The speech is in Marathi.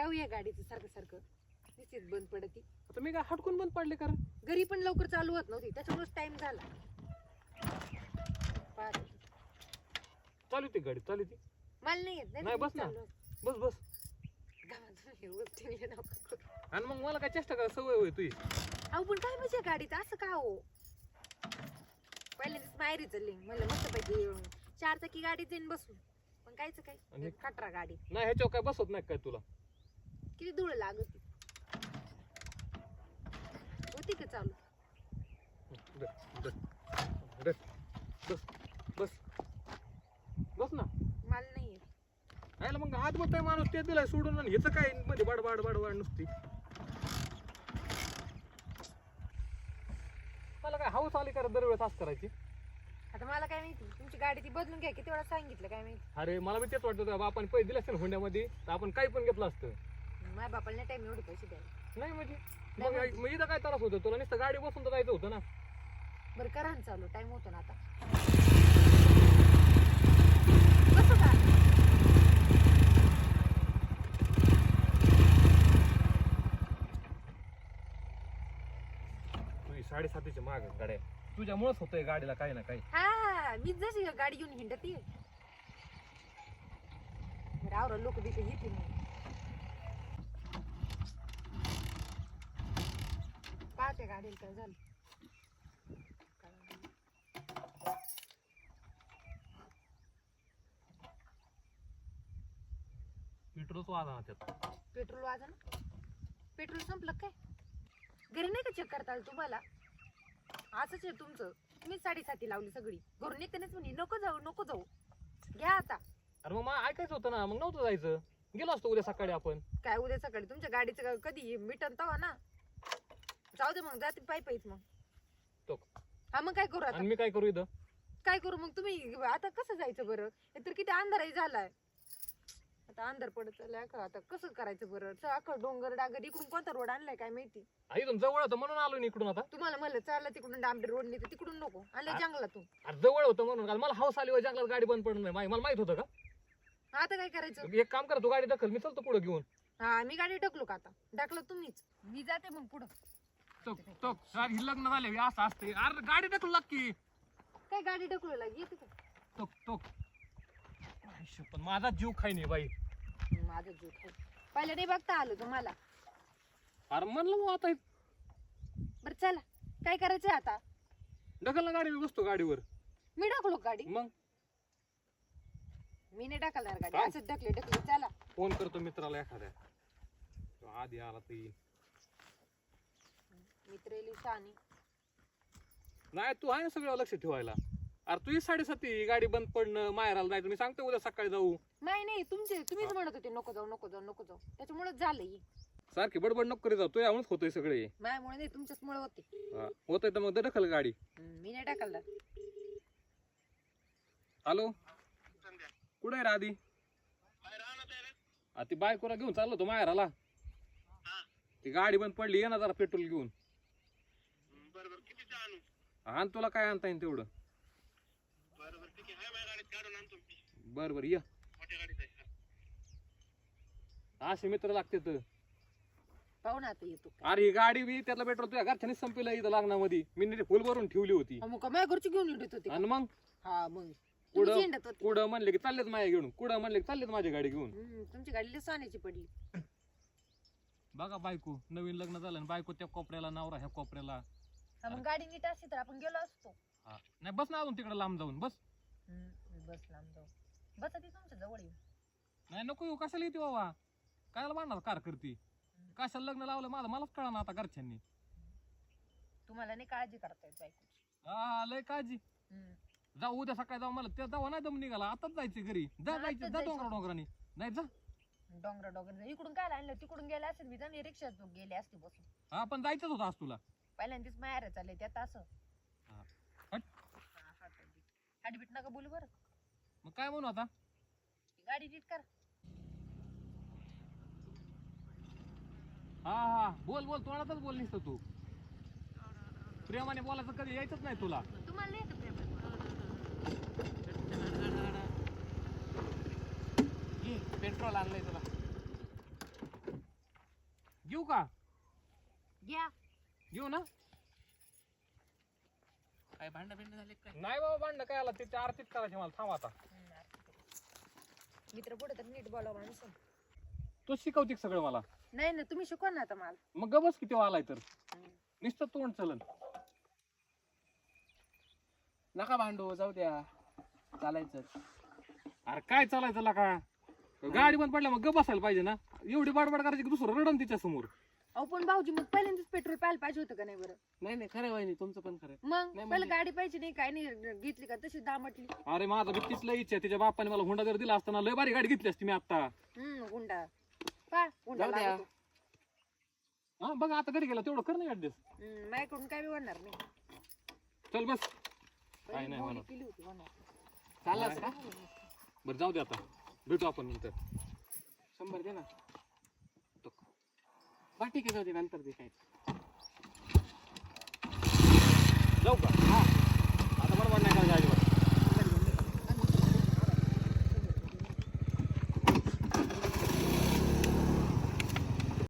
काय होईया गाडीचं सारखं सारखं निश्चित बंद पडती. आता मी काय हटकून बंद पडले कारण घरी पण लवकर चालू होत नव्हती त्याच्यामुळेच टाइम झाला. चालू ती गाडी चालू ती मला नाही येत नाही बस ना बस बस आणि मग मला काय चेष्टा करा सवय होय तुझी. अहो पण काय म्हणजे गाडीत असं का हो पहिल्यांदाच माहेरी चालली म्हणलं मस्त पैकी 4 चाकी गाडीत येईन बसून पण कायच काय खटरा गाडी नाही ह्याच्यावर काय बसत नाही काय तुला किती धूळ लागत होती का चालू बस बस बस ना मला नाही येत. आयला मग हात बोलताय माणूस ते दिलाय सोडून आणि ह्याचं काय मध्ये बाड नुसती मला काय हाऊस आली करा दरवेळेस असं करायची. आता मला काय माहिती तुमची गाडी ती बदलून घ्या किती वेळा सांगितलं काय माहिती. अरे मला बी तेच वाटतं आपण पैसे दिले असते हुंड्यामध्ये तर आपण काही पण घेतलं असतं. माझ्या बापाला नाही टाइम एवढे पैसे द्यायला. नाही म्हणजे मग इथं काय त्रास होतो तुला नुसतं गाडी बसून तर जायचं होतं ना. बरं करा ना चालू टाइम होतो ना आता कसं का 7:30च्या माग गाड्या तुझ्यामुळेच होतंय गाडीला काही ना काही. हा मीच जशी गाडी घेऊन हिंडती रावरा लोक तिथे येते पाहते गाडीला काय झालं. पेट्रोलच वाजा ना त्यात. पेट्रोल वाजा ना पेट्रोल संपलं काय घरी नाही का चेक करता आलं तुम्हाला. असंच आहे तुमचं तुम्ही 7:30 लावली सगळी घरून येतेच म्हणे नको जाऊ घ्या आता. अरे मग मला ऐकायचं होतं ना मग नव्हतं जायचं गेलो असतो उद्या सकाळी आपण. काय उद्या सकाळी तुमच्या गाडीचं कधी मिटन तवा ना जाऊ दे मग जाते पायीच मग तो हा मग काय करू आता आणि मी काय करू इथं काय करू मग तुम्ही आता कसं जायचं बरं तर किती अंधारही झालाय आता अंधार पडत चाललाय का आता कसं करायचं बरं अख्खा डोंगर डागर इकडून कोणता रोड आणलाय काय माहिती. इथून जवळ होतं म्हणून आलो ना इकडून. आता तुम्हाला म्हणलं चाललं तिकडून डांबरी रोड नाही तिकडून नको आणलं जंगलातून. अरे जवळ होतं म्हणून काल मला हाऊस आली जंगलात गाडी बंद पडणार नाही मला माहित होतं का. आता काय करायचं एक काम करा तू गाडी दखल मी चलतो पुढे घेऊन. हा मी गाडी ढकलू का आता ढकलं तुम्हीच मी जाते मग पुढं. लग्न झाले असं असते अरे गाडी ढकलू लागती काय गाडी ढकलू लागली येते का पण माझा जीव खाई नाही बाई. माझं जीव खाई पहिलं नाही बघता आलो तुम्हाला. अरे म्हणलं मग आता बरं चला काय करायचंय आता ढकल ना गाडी मी बसतो गाडीवर. मी ढकलू गाडी मग मी नाही ढकलणार गाडी असंच ढकले चला. फोन करतो मित्राला एखाद्या तो आधी आला तर येईल. मित्र शानी नाही तू आहे ना सगळं लक्ष ठेवायला. अरे तुझी 7:30 गाडी बंद पडणं माहेराला जायचं मी सांगतो उद्या सकाळी जाऊ. नाही तुम्हीच म्हणत होते नको जाऊ त्याच्यामुळे झालंय. सारखी बडबड नको करी जाऊ तू यामुळेच होतोय सगळे. माझ्यामुळे नाही तुमच्याच मुळे होते. होतंय तर मग ढकल गाडी. मी नाही ढकलणार. हॅलो कुठे आहे राधी. ती बायकोला घेऊन चाललो तो माहेराला. ती गाडी बंद पडली ये ना जरा पेट्रोल घेऊन. आण तुला काय आणता येईल तेवढं. बर ये असे मित्र लागते तर पाहू ना आता येतो. अरे ही गाडी बी त्यातला पेट्रोल तुझ्या घरच्यानीच संपलं इथं लग्नामध्ये मी नीट फुल भरून ठेवली होती. मग माझ्या घरची घेऊन येत होते आणि मग हा मग कुठं म्हणले की चाललेत माझ्या घेऊन कुठं म्हणले की चाललेत माझी गाडी घेऊन. तुमची गाडी सोन्याची पडली. बघा बायको नवीन लग्न झालं बायको त्या कोपऱ्याला नवरा ह्या कोपऱ्याला. मग गाडी नीट असती तर आपण गेलो असतो. नाही बस ना अजून तिकडे लांब जाऊन बस. बस लांब जाऊ बस ती तुमच्या जवळ येऊ. नाही नको येऊ कशाला येते बाबा कायला बांधणार कार करते कशाला लग्न लावलं माझं मलाच कळा ना आता घरच्यांनी. तुम्हाला नाही काळजी करता येत बायकोची. हा लय काळजी. जाऊ उद्या सकाळी जाऊ मला त्या जाऊ नाही दम निघाला आताच जायचं घरी जायचं जा डोंगराने नाही जा डोंगर इकडून काय आणलं तिकडून गेले असेल मी जाऊन रिक्षात गेले असते बसून. हा पण जायचंच होतं आज तुला. पहिल्यांदाच माहेर चालले त्यात असं हाडबीट नका बोलू बरं. मग काय म्हणू आता गाडी नीट कर. हा बोल तोंडातच बोल निसतं तू प्रेमाने बोलायचं कधी यायचंच नाही तुला. तुम्हाला नाही येत प्रेम. पेट्रोल आणलंय तुला घेऊ का? घ्या. घेऊ ना? काय भांडण बिंड झाले काय? नाही बाबा भांडण काय आला तिथे आरतीच करायची मला. थांब आता. मित्र पुढे तर नीट बोलावं माणूस. तू शिकवते सगळं मला. नाही ना तुम्ही शिकवा ना आता मला. मग गबस किती आलाय तर नुसतं तोंड चलन. नका भांडू, जाऊ द्या, चालायचं. अरे काय चालायचं ला का? गाडी बंद पडल्या मग गप बसायला पाहिजे ना. एवढी बाडबाड करायची की दुसरं रडन तिच्या समोर. अहो पण भाऊजी मग पहिल्यांदाच पेट्रोल पाहायला पाहिजे होतं का नाही बरं? नाही नाही, खरं वहिनी, तुमचं पण खरं. मग नाही पहिलं म्हणजे- गाडी पाहिजे नाही काय नाही घेतली का तशी दामटली. अरे माझा बी तिथलं इच्छा आहे. तिच्या बापाने मला हुंडा जर दिला असताना लय भारी गाडी घेतली असती मी आता. गुंडा पा गुंडा जाऊ द्या. लागतो. हा बघ आता घरी गेला तेवढं कर नाही ऍडजस्ट. माझ्याकडून काय बी होणार नाही. चल बस. काय पहिली नाही बोली म्हणत. केली होती होणार. चाललास का? बरं जाऊ दे आता. भेटू आपण नंतर. 100 दे ना. बा ठीक आहे, जाऊ दे, नंतर दे काय. जाऊ का? हा